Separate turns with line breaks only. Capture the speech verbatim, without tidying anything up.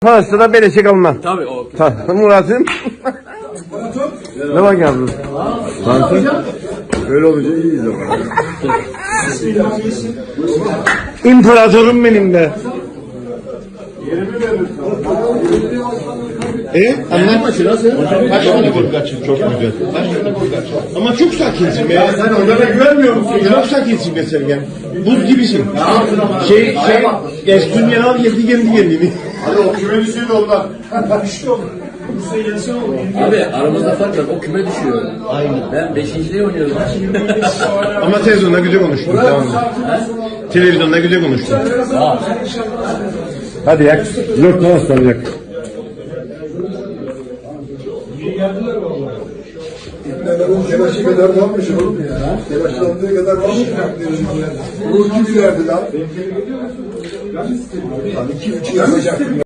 Parası da beleşe kalma.
Tabii o.
Ta Murat'ım. Ne bak yavrum? Kanka. Öyle olunca iyiyiz o kadar. İmparatorum benim de. E? Anlatma şurası. Kaç tane gol kaçın? Çok güzel. Kaç tane gol kaçın? Ama çok sakinsin be. Ya sen orada da güvenmiyor musun? Çok sakinsin be Sergen. Buz gibisin. Şey, şey, eski al yedi kendi kendini.
Hadi o küme düşüyordu onlar.
Abi aramızda fark var. O küme düşüyor. Aynen. Ben beşinciliği oynuyorum.
Ama televizyonda güzel konuştun. Tamam mı? Televizyonda güzel konuştun. Hadi yak. Dört tane ıslanacak.
Telaşı kadar varmış oğlum ya. Telaşlandığı kadar varmış. Ruh gibi verdi lan. Hani iki üç yapacak.